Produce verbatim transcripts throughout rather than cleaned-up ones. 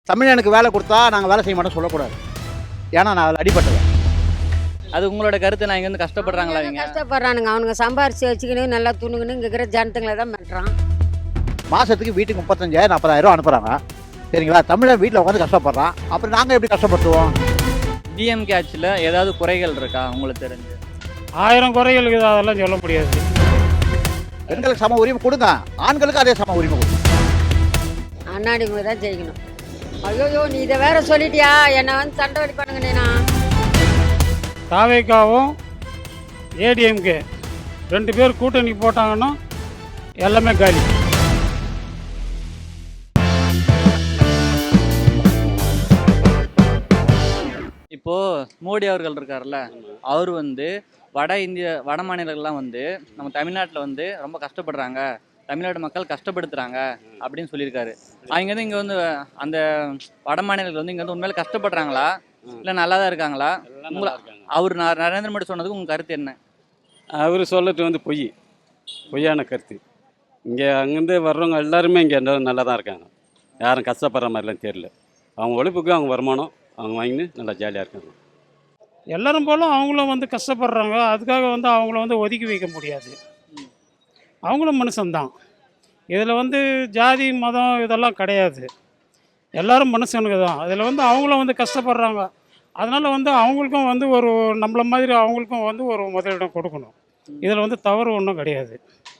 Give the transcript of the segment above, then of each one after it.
தமிழனுக்கு வேலை கொடுத்தா நாங்கள் வேலை செய்ய மாட்டோம் சொல்லக்கூடாது. ஏன்னா நான் அதில் அடிபட்டவன். அது உங்களோட கருத்து. நான் இங்கே வந்து கஷ்டப்படுறாங்களா? அவங்க இவங்க கஷ்டப்படுறானுங்க. அவனுங்க சம்பாரிச்சு வச்சுக்கணும், நல்லா துணுங்கன்னு இங்கே இருக்கிற ஜனத்துங்களை தான் பண்ணுறான். மாதத்துக்கு வீட்டுக்கு முப்பத்தஞ்சாயிரம் நாற்பதாயிரம் அனுப்புகிறாங்க. சரிங்களா? தமிழன் வீட்டில் உட்காந்து கஷ்டப்படுறான். அப்புறம் நாங்கள் எப்படி கஷ்டப்படுத்துவோம்? டிஎம்கே ஆட்சியில் ஏதாவது குறைகள் இருக்கா உங்களுக்கு தெரிஞ்சு? ஆயிரம் குறைகள் இருக்குது, அதெல்லாம் சொல்ல முடியாது. பெண்களுக்கு சம உரிமை கொடுங்க, ஆண்களுக்கு அதே சம உரிமை கொடுங்க. அண்ணாடிமுக தான் ஜெயிக்கணும். ஐயோ நீ இதை வேற சொல்லிட்டியா, என்னை வந்து சண்டை அடிப்பானுங்க. நீனா தாவேக்காவும் ஏடிஎம்கே ரெண்டு பேர் கூட்டணி போட்டாங்கன்னா எல்லாமே காலி. இப்போது மோடி அவர்கள் இருக்கார்ல, அவர் வந்து வட இந்திய வட மாநிலங்கள்லாம் வந்து நம்ம தமிழ்நாட்டில் வந்து ரொம்ப கஷ்டப்படுறாங்க, தமிழ்நாடு மக்கள் கஷ்டப்படுத்துகிறாங்க அப்படின்னு சொல்லியிருக்காரு. அவங்க வந்து இங்கே வந்து அந்த வட மாநிலங்கள் வந்து இங்கே வந்து உண்மையில கஷ்டப்படுறாங்களா இல்லை நல்லா தான் இருக்காங்களா? உங்களை அவர் ந- நரேந்திர மோடி சொன்னதுக்கு உங்கள் கருத்து என்ன? அவர் சொல்லிட்டு வந்து பொய் பொய்யான கருத்து. இங்கே அங்கேருந்து வர்றவங்க எல்லாருமே இங்கே நல்லா தான் இருக்காங்க. யாரும் கஷ்டப்படுற மாதிரிலாம் தெரியல. அவங்க உழைப்புக்கு அவங்க வருமானம் அவங்க வாங்கின்னு நல்லா ஜாலியாக இருக்காங்க. எல்லாரும் போலும் அவங்களும் வந்து கஷ்டப்படுறாங்க. அதுக்காக வந்து அவங்கள வந்து ஒதுக்கி வைக்க முடியாது. அவங்களும் மனுஷன்தான். இதில் வந்து ஜாதி மதம் இதெல்லாம் கிடையாது. எல்லாரும் மனுஷனுக்கு தான். அதில் வந்து அவங்களும் வந்து கஷ்டப்படுறாங்க. அதனால் வந்து அவங்களுக்கும் வந்து ஒரு நம்மள மாதிரி அவங்களுக்கும் வந்து ஒரு முதலிடம் கொடுக்கணும். இதில் வந்து தவறு ஒன்றும் கிடையாது.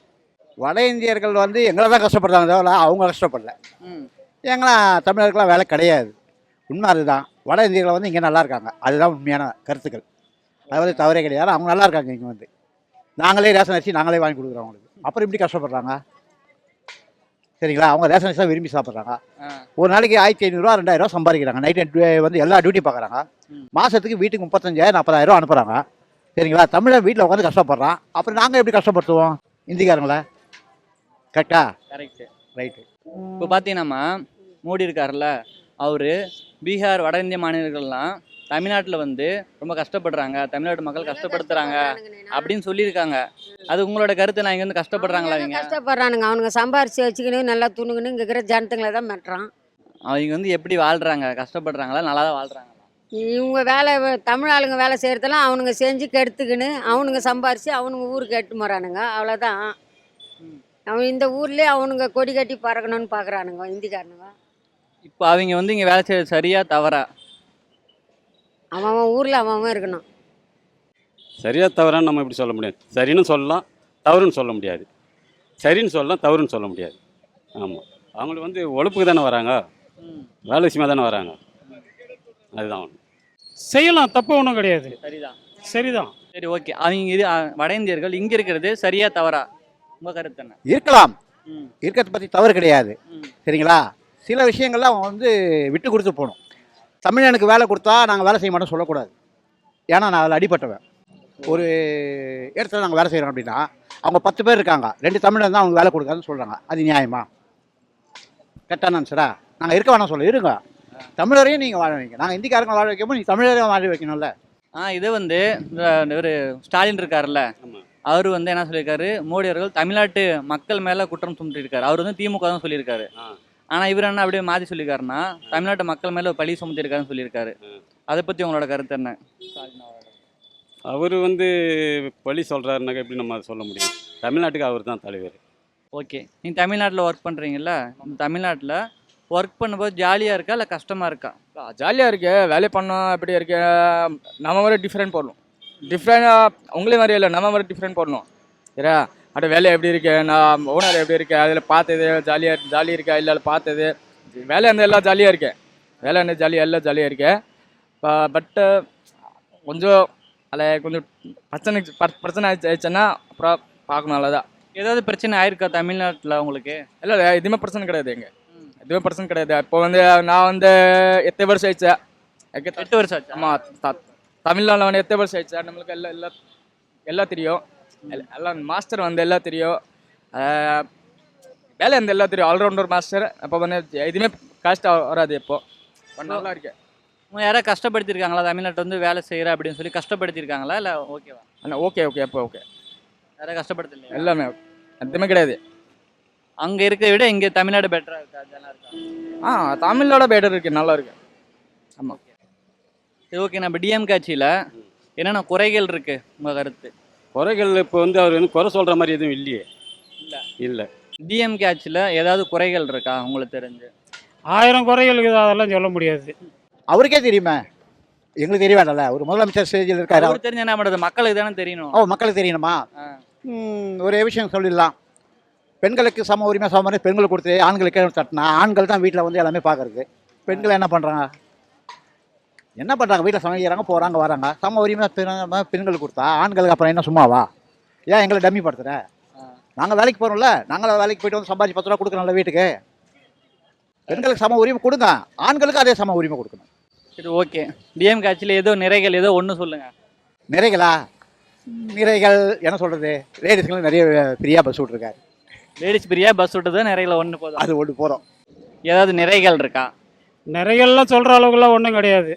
வட இந்தியர்கள் வந்து எங்களை தான் கஷ்டப்படுறாங்க தவிர அவங்க கஷ்டப்படல. ம் எங்களாம் தமிழருக்கெல்லாம் வேலை கிடையாது. உண்மை அதுதான். வட இந்தியர்கள் வந்து இங்கே நல்லா இருக்காங்க. அதுதான் உண்மையான கருத்துக்கள். அது வந்து தவறே கிடையாது. அவங்க நல்லா இருக்காங்க. இங்கே வந்து நாங்களே ரேஷன் அரிசி நாங்களே வாங்கி கொடுக்குறோம் அவங்களுக்கு. அப்புறம் எப்படி கஷ்டப்படுறாங்க? சரிங்களா? அவங்க ரேஷன் அரிசி தான் விரும்பி சாப்பிட்றாங்க. ஆ ஒரு நாளைக்கு ஆயிரத்தி ஐநூறுரூவா ரெண்டாயிரரூவா சம்பாதிக்கிறாங்க. நைட்டு வந்து எல்லா டியூட்டி பார்க்குறாங்க. மாதத்துக்கு வீட்டுக்கு முப்பத்தஞ்சாயிரம் நாற்பதாயிரம் அனுப்புகிறாங்க. சரிங்களா? தமிழன் வீட்டில் உட்காந்து கஷ்டப்படுறான். அப்புறம் நாங்கள் எப்படி கஷ்டப்படுத்துவோம் இந்திக்காரங்கள? கரெக்டா? கரெக்டு. ரைட்டு. இப்போ பார்த்தீங்கன்னா மோடி இருக்கார்ல, அவர் பீகார் வட இந்திய மாநிலங்கள்லாம் தமிழ்நாட்டில் வந்து ரொம்ப கஷ்டப்படுறாங்க, தமிழ்நாட்டு மக்கள் கஷ்டப்படுத்துகிறாங்க அப்படின்னு சொல்லியிருக்காங்க. அது உங்களோட கருத்து. நான் இங்கே வந்து கஷ்டப்படுறாங்களா? இவங்க கஷ்டப்படுறானுங்க. அவனுங்க சம்பாரிச்சு வச்சுக்கணும், நல்லா துணுங்கன்னு இங்கே இருக்கிற ஜனத்துங்களை தான் பண்ணுறான். அவங்க வந்து எப்படி வாழ்கிறாங்க? கஷ்டப்படுறாங்களா நல்லா தான் வாழ்கிறாங்களா? இவங்க வேலை தமிழ் ஆளுங்க வேலை செய்கிறதெல்லாம் அவனுங்க செஞ்சு கெடுத்துக்கின்னு அவனுங்க சம்பாரித்து அவனுங்க ஊருக்கு எட்டு போகிறானுங்க. அவ்வளோதான். அவன் இந்த ஊர்லேயே அவனுங்க கொடி கட்டி பறக்கணும்னு பார்க்குறானுங்க இந்திக்காரனுங்க. இப்போ அவங்க வந்து இங்கே வேலை செய்யறது சரியா தவறா? அவன் அவன் ஊரில் அவன் அவன் இருக்கணும். சரியாக தவறான்னு நம்ம எப்படி சொல்ல முடியாது. சரின்னு சொல்லலாம், தவறுன்னு சொல்ல முடியாது. சரின்னு சொல்லலாம், தவறுன்னு சொல்ல முடியாது. ஆமாம், அவங்களுக்கு வந்து உழைப்புக்கு தானே வராங்க, வேலை விஷயமா தானே வராங்க. அதுதான் ஒன்று. செய்யலாம், தப்பு ஒன்றும் கிடையாது. சரிதான். சரிதான். சரி, ஓகே. அவங்க இது அ, வட இந்தியர்கள் இங்கே இருக்கிறது சரியா தவறா? உங்கள் கருத்து என்ன? இருக்கலாம். ம் இருக்கிறத பற்றி தவறு கிடையாது. ம் சரிங்களா? சில விஷயங்கள்லாம் அவன் வந்து விட்டு கொடுத்து போகணும். தமிழனுக்கு வேலை கொடுத்தா நாங்கள் வேலை செய்ய மாட்டோம் சொல்லக்கூடாது. ஏன்னா நான் அதில் அடிபட்டவன். ஒரு இடத்துல நாங்கள் வேலை செய்கிறோம் அப்படின்னா அவங்க பத்து பேர் இருக்காங்க, ரெண்டு தமிழன் தான் அவங்க வேலை கொடுக்காதுன்னு சொல்கிறாங்க. அது நியாயமா? கரெக்டான ஆன்சரா? நாங்கள் இருக்க வேணாம் சொல்ல, இருங்க. தமிழரையும் நீங்கள் வாழ வைங்க. நாங்கள் இந்திக்காரங்க வாழ வைக்கும்போது நீங்கள் தமிழரையும் வாழ வைக்கணும்ல. ஆ இது வந்து இந்த ஒரு ஸ்டாலின் இருக்கார்ல, அவர் வந்து என்ன சொல்லியிருக்காரு, மோடி அவர்கள் தமிழ்நாட்டு மக்கள் மேலே குற்றம் சுமத்திருக்காரு. அவர் வந்து திமுக தான் சொல்லியிருக்காரு. ஆனால் இவர் என்ன அப்படியே மாற்றி சொல்லியிருக்காருன்னா தமிழ்நாட்டு மக்கள் மேலே பழி சுமத்திருக்காருன்னு சொல்லியிருக்காரு. அதை பற்றி உங்களோட கருத்து என்ன? அவர் வந்து பழி சொல்கிறாருனாக்கா எப்படி நம்ம அதை சொல்ல முடியும்? தமிழ்நாட்டுக்கு அவர் தான் தலைவர். ஓகே, நீங்கள் தமிழ்நாட்டில் ஒர்க் பண்ணுறீங்கல்ல, இந்த தமிழ்நாட்டில் ஒர்க் பண்ணும்போது ஜாலியாக இருக்கா இல்லை கஷ்டமாக இருக்கா? ஜாலியாக இருக்கு, வேலை பண்ணோம். எப்படி இருக்கு, நம்ம மாதிரி டிஃப்ரெண்ட் போடணும். டிஃப்ரெண்டாக உங்களே மாதிரி இல்லை, நம்ம மாதிரி டிஃப்ரெண்ட் போடணும். சரியா? அட வேலை எப்படி இருக்கு, நான் ஓனர் எப்படி இருக்கு, அதில் பார்த்தது ஜாலியாக ஜாலி இருக்கா இல்லை பார்த்தது வேலை அந்த எல்லாம் ஜாலியாக இருக்கு. வேலை அந்த ஜாலியாக எல்லாம் ஜாலியாக இருக்கு. பட்டு கொஞ்சம் அதில் கொஞ்சம் பிரச்சனை பிரச்சனை ஆயிடுச்சுன்னா அப்புறம் பார்க்கணும். அவ்வளோதான். ஏதாவது பிரச்சனை ஆயிருக்கா தமிழ்நாட்டில் உங்களுக்கு? இல்லை எதுவுமே பிரச்சனை கிடையாது. எங்க எதுவுமே பிரச்சனை கிடையாது. இப்போ வந்து நான் வந்து எத்தனை வருஷம் ஆயிடுச்சு, எட்டு வருஷம் ஆச்சு. ஆமாம், தமிழ்நாட்டில் வந்து எத்தனை வருஷம் ஆயிடுச்சு. நம்மளுக்கு எல்லாம் எல்லாம் எல்லாம் தெரியும். எல்லாம் மாஸ்டர் வந்து எல்லாம் தெரியும். வேலை வந்து எல்லாம் தெரியும். Allrounder master. அப்போ வந்து எதுவுமே காஸ்ட்டாக வராது. இப்போ நல்லா இருக்கு. யாராவது கஷ்டப்படுத்திருக்காங்களா தமிழ்நாட்டில் வந்து வேலை செய்கிற அப்படின்னு சொல்லி? கஷ்டப்படுத்திருக்காங்களா இல்லை ஓகேவா? அண்ணா ஓகே ஓகே அப்போ ஓகே. யாராவது கஷ்டப்படுத்தல? எல்லாமே எதுவுமே கிடையாது. அங்க இருக்கிறத விட இங்க தமிழ்நாடு பெட்டரா இருக்கா நல்லா இருக்கா? ஆ தமிழோட பெட்டர் இருக்கு, நல்லா இருக்கு. ஆமாம். சரி ஓகே, நம்ம டிஎம்கே ஆட்சியில் என்னென்ன குறைகள் இருக்கு உங்க கருத்து? குறைகள் இப்போ வந்து அவர் வந்து குறை சொல்கிற மாதிரி எதுவும் இல்லையே. இல்லை இல்லை. டிஎம்கே ஆட்சியில் ஏதாவது குறைகள் இருக்கா உங்களுக்கு தெரிஞ்சு? ஆயிரம் குறைகள் இருக்குது, அதெல்லாம் சொல்ல முடியாது. அவருக்கே தெரியுமே, எங்களுக்கு தெரிய வேண்டாம்ல. ஒரு முதலமைச்சர் ஸ்டேஜில் இருக்காரு. அவர் தெரிஞ்சு என்ன பண்ணுறது, மக்களுக்கு தானே தெரியணும். ஓ, மக்களுக்கு தெரியணுமா? ஆ. ம், ஒரே விஷயம் சொல்லிடலாம். பெண்களுக்கு சம உரிமை சம உரிமை பெண்கள் கொடுத்து ஆண்களுக்கு தட்டினா ஆண்கள் தான் வீட்டில் வந்து எல்லாமே பார்க்கறது. பெண்கள் என்ன பண்ணுறாங்க, என்ன பண்ணுறாங்க, வீட்டில் சமைக்கிறாங்க, போகிறாங்க, வராங்க. சம உரிமை பெண் பெண்கள் கொடுத்தா ஆண்களுக்கு அப்புறம் என்ன சும்மாவா? ஏன் எங்களை டம்மி படுத்துற? நாங்கள் வேலைக்கு போகிறோம்ல, நாங்களும் வேலைக்கு போய்ட்டு வந்து சம்பாதிச்சு பத்து ரூபா கொடுக்குறோம்ல வீட்டுக்கு. பெண்களுக்கு சம உரிமை கொடுங்க, ஆண்களுக்கு அதே சம உரிமை கொடுக்கணும். சரி ஓகே, டிஎம்கே ஆட்சியில் ஏதோ நிறைகள் ஏதோ ஒன்று சொல்லுங்கள். நிறைகளா? நிறைகள் என்ன சொல்கிறது, லேடிஸ்களும் நிறைய ஃப்ரீயாக பஸ் விட்ருக்காரு. லேடிஸ் பிரியா பஸ் விட்டது நிறைகளை ஒன்று போதும், அது ஒன்று போகிறோம். ஏதாவது நிறைகள் இருக்கா? நிறையெல்லாம் சொல்கிற அளவுக்குலாம் ஒன்றும் கிடையாது.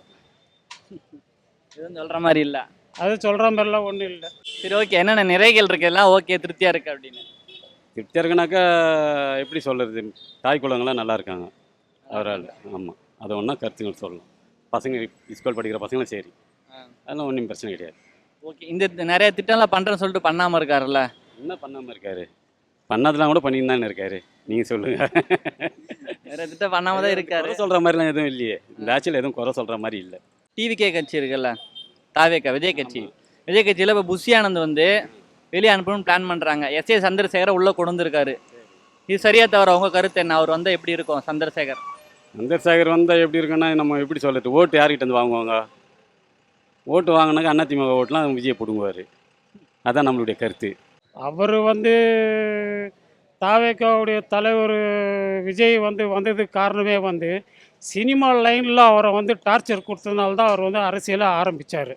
எதுவும் சொல்கிற மாதிரி இல்லை. அது சொல்கிற மாதிரிலாம் ஒன்றும் இல்லை. சரி ஓகே, என்னென்ன நிறைகள் இருக்கு எல்லாம் ஓகே திருப்தியாக இருக்குது அப்படின்னு? திருப்தியாக இருக்குனாக்கா எப்படி சொல்கிறது, தாய் குழந்தைங்களாம் நல்லா இருக்காங்க அவரால். ஆமாம், அதை ஒன்றா கருத்துங்கள் சொல்லலாம். பசங்க ஸ்கூல் படிக்கிற பசங்களும் சரி, அதெல்லாம் ஒன்றும் பிரச்சனை கிடையாது. ஓகே, இந்த நிறைய திட்டம்லாம் பண்ணுறேன்னு சொல்லிட்டு பண்ணாமல் இருக்காருல்ல? என்ன பண்ணாமல் இருக்காரு? பண்ணதெல்லாம் கூட பண்ணின்னு தானே இருக்காரு. நீங்கள் சொல்லுங்கள். நிறைய திட்டம் பண்ணாமல் தான் இருக்காரு. குறை சொல்கிற மாதிரிலாம் எதுவும் இல்லையே, இந்த ஆட்சியில் எதுவும் குறை சொல்கிற மாதிரி இல்லை. டிவிகே கட்சி இருக்குல்ல, தாவேக்கா விஜய் கட்சி, விஜய் கட்சியில் இப்போ புஷி ஆனந்த் வந்து வெளியே அனுப்பணும்னு பிளான் பண்ணுறாங்க. எஸ் ஏ சந்திரசேகரை உள்ளே கொண்டு வந்திருக்காரு. இது சரியா தவிர உங்கள் கருத்து என்ன? அவர் வந்தால் எப்படி இருக்கும் சந்திரசேகர்? சந்திரசேகர் வந்தால் எப்படி இருக்குன்னா, நம்ம எப்படி சொல்கிறது, ஓட்டு யார்கிட்ட வந்து வாங்குவாங்க? ஓட்டு வாங்கினாக்கா அதிமுக ஓட்டுலாம் விஜய் பிடுங்குவார். அதான் நம்மளுடைய கருத்து. அவர் வந்து தாவேக்காவுடைய தலைவர் விஜய் வந்து வந்ததுக்கு காரணமே வந்து சினிமா லைனில் அவரை வந்து டார்ச்சர் கொடுத்ததுனால தான் அவர் வந்து அரசியலை ஆரம்பித்தார்.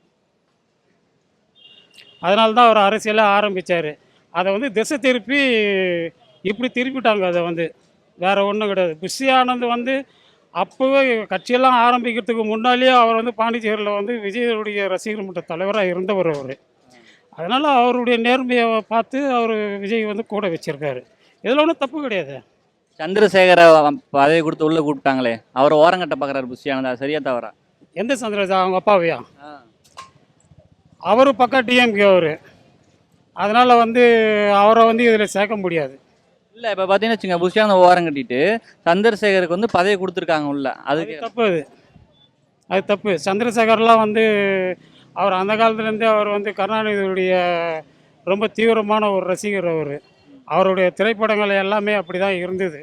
அதனால தான் அவர் அரசியலை ஆரம்பித்தார். அதை வந்து திசை திருப்பி இப்படி திருப்பிட்டாங்க. அதை வந்து வேறு ஒன்றும் கிடையாது. புஷி ஆனந்த் வந்து அப்போவே கட்சியெல்லாம் ஆரம்பிக்கிறதுக்கு முன்னாலேயே அவர் வந்து பாண்டிச்சேரியில் வந்து விஜயனுடைய ரசிகர் மன்ற தலைவராக இருந்தவர் அவர். அதனால் அவருடைய நேர்மையை பார்த்து அவர் விஜய் வந்து கூட வச்சுருக்காரு. இதில் ஒன்றும் தப்பு கிடையாது. சந்திரசேகரை பதவி கொடுத்து உள்ளே கூப்பிட்டாங்களே, அவர் ஓரங்கட்ட பார்க்குறாரு புஷி ஆனந்தா, சரியா தவறா? எந்த சந்திரசேகர்? அவங்க அப்பாவையா? அவர் பக்கம் டிஎம்கே அவர். அதனால் வந்து அவரை வந்து இதில் சேர்க்க முடியாது. இல்லை இப்போ பார்த்தீங்கன்னு வச்சுங்க, புஷி ஆனந்த் ஓரம் கட்டிட்டு சந்திரசேகருக்கு வந்து பதவி கொடுத்துருக்காங்க உள்ள. அதுக்கு அது தப்பு. அது அது தப்பு. சந்திரசேகர்லாம் வந்து அவர் அந்த காலத்துலேருந்தே அவர் வந்து கருணாநிதியுடைய ரொம்ப தீவிரமான ஒரு ரசிகர். அவர் அவருடைய திரைப்படங்கள் எல்லாமே அப்படி தான் இருந்தது.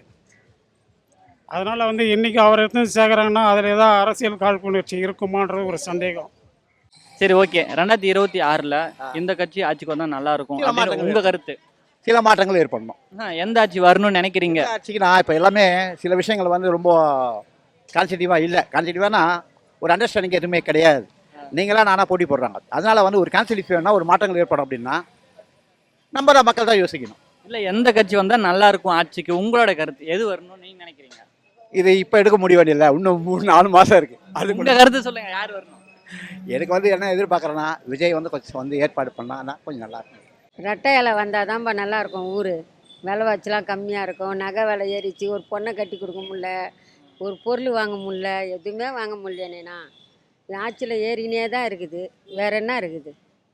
அதனால் வந்து இன்றைக்கி அவர் எடுத்து சேர்க்குறாங்கன்னா அதில் ஏதாவது அரசியல் காழ்ப்புணர்ச்சி இருக்குமான்றது ஒரு சந்தேகம். சரி ஓகே, ரெண்டாயிரத்தி இருபத்தி ஆறில் இந்த கட்சி ஆட்சிக்கு வந்தால் நல்லா இருக்கும் அப்படின்னு உங்கள் கருத்து? சில மாற்றங்கள் ஏற்படணும். எந்த ஆட்சி வரணும்னு நினைக்கிறீங்க? ஆட்சிக்கு நான் இப்போ எல்லாமே சில விஷயங்கள் வந்து ரொம்ப கான்சிட்டிவாக இல்லை. கான்சிட்டிவானா ஒரு அண்டர்ஸ்டாண்டிங் எதுவுமே கிடையாது. நீங்களாம் நானாக போட்டி போடுறாங்க. அதனால் வந்து ஒரு கான்சிட்டிவ் வேணும்னா ஒரு மாற்றங்கள் ஏற்படும் அப்படின்னா நம்ம தான் மக்கள் தான் யோசிக்கணும். இல்லை எந்த கட்சி வந்தால் நல்லா இருக்கும் ஆட்சிக்கு உங்களோட கருத்து எது வரணும்னு நீங்கள் நினைக்கிறீங்க? இது இப்போ எடுக்க முடியாது இல்லை, இன்னும் மூணு நாலு மாதம் இருக்குது. அது உங்கள் கருத்து சொல்லுங்கள், யார் வரணும்? எனக்கு வந்து என்ன எதிர்பார்க்குறேன்னா விஜய் வந்து கொஞ்சம் வந்து ஏற்பாடு பண்ணான்னா கொஞ்சம் நல்லாயிருக்கும். ரெட்டை இலை வந்தால் தான்ப்பா நல்லாயிருக்கும். ஊர் விலைவாச்சிலாம் கம்மியாக இருக்கும். நகை விலை ஏறிச்சு, ஒரு பொண்ணை கட்டி கொடுக்க முடில, ஒரு பொருள் வாங்க முடில, எதுவுமே வாங்க முடியலண்ணா. ஆட்சியில் ஏறினே தான் இருக்குது, வேற என்ன இருக்குது?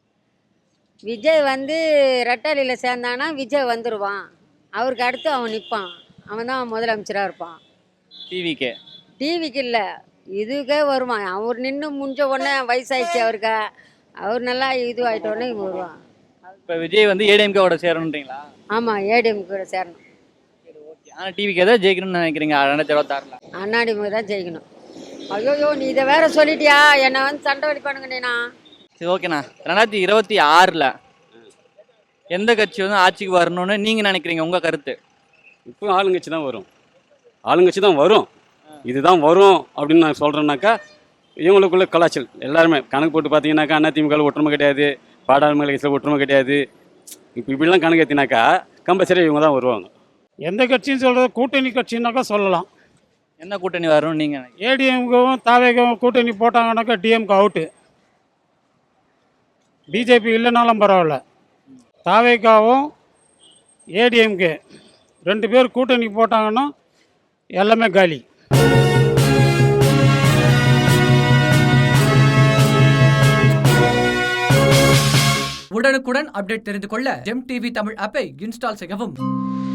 விஜய் வந்து ரெட்டாலியில் சேர்ந்தானா விஜய் வந்துடுவான். அவருக்கு அடுத்து அவன் நிற்பான். அவன் தான் முதலமைச்சராக இருப்பான். டிவிக்கே டிவிக்கு இல்லை, இதுக்கே வருவான். அவர் நின்று முடிஞ்ச உடனே வயசாயிடுச்சு அவருக்கு. அவர் நல்லா இது ஆகிட்டோடனே இவன் வருவான். இப்போ விஜய் வந்து ஏடிஎம்கேவோட சேரணுன்றீங்களா? ஆமாம், ஏடிஎம் கூட சேரணும். சரி ஓகே, ஆனால் டிவிக்கே தான் ஜெயிக்கணும்னு நினைக்கிறீங்க ரெண்டாயிரத்தி இருபத்தாறில்? அண்ணாடிமுக தான் ஜெயிக்கணும். ஐயோயோ, நீ இதை வேற சொல்லிட்டியா? என்னை வந்து சண்டை வடிப்பானுங்கண்ணா. சரி ஓகேண்ணா, ரெண்டாயிரத்தி இருபத்தி ஆறில் எந்த கட்சி வந்து ஆட்சிக்கு வரணும்னு நீங்கள் நினைக்கிறீங்க உங்கள் கருத்து? இப்போ ஆளுங்கட்சி தான் வரும். ஆளுங்கட்சி தான் வரும். இதுதான் வரும் அப்படின்னு நான் சொல்கிறேன்னாக்கா இவங்களுக்குள்ள கலாச்சல் எல்லாருமே கணக்கு போட்டு பார்த்தீங்கன்னாக்கா அதிமுக ஒற்றுமை கிடையாது, பாடாளுமன்ற கட்சியில் ஒற்றுமை கிடையாது. இப்போ இப்படிலாம் கணக்கு ஏற்றினாக்கா கம்பல்சரி இவங்க தான் வருவாங்க. எந்த கட்சின்னு சொல்கிறது, கூட்டணி கட்சின்னாக்கா சொல்லலாம். என்ன கூட்டணி வரணும்னு நீங்கள்? ஏடிஎம்கவும் தாவேகவும் கூட்டணி போட்டாங்கன்னாக்கா டிஎம்கே அவுட்டு. பிஜேபி இல்லைனாலும் பரவாயில்ல. தாவேக்காவும் ஏடிஎம்கே ரெண்டு பேர் கூட்டணி போட்டாங்கன்னா எல்லாமே காலி. உடனுக்குடன் அப்டேட் தெரிந்து கொள்ள ஜெம் டிவி தமிழ் ஆப்பை இன்ஸ்டால் செய்யவும்.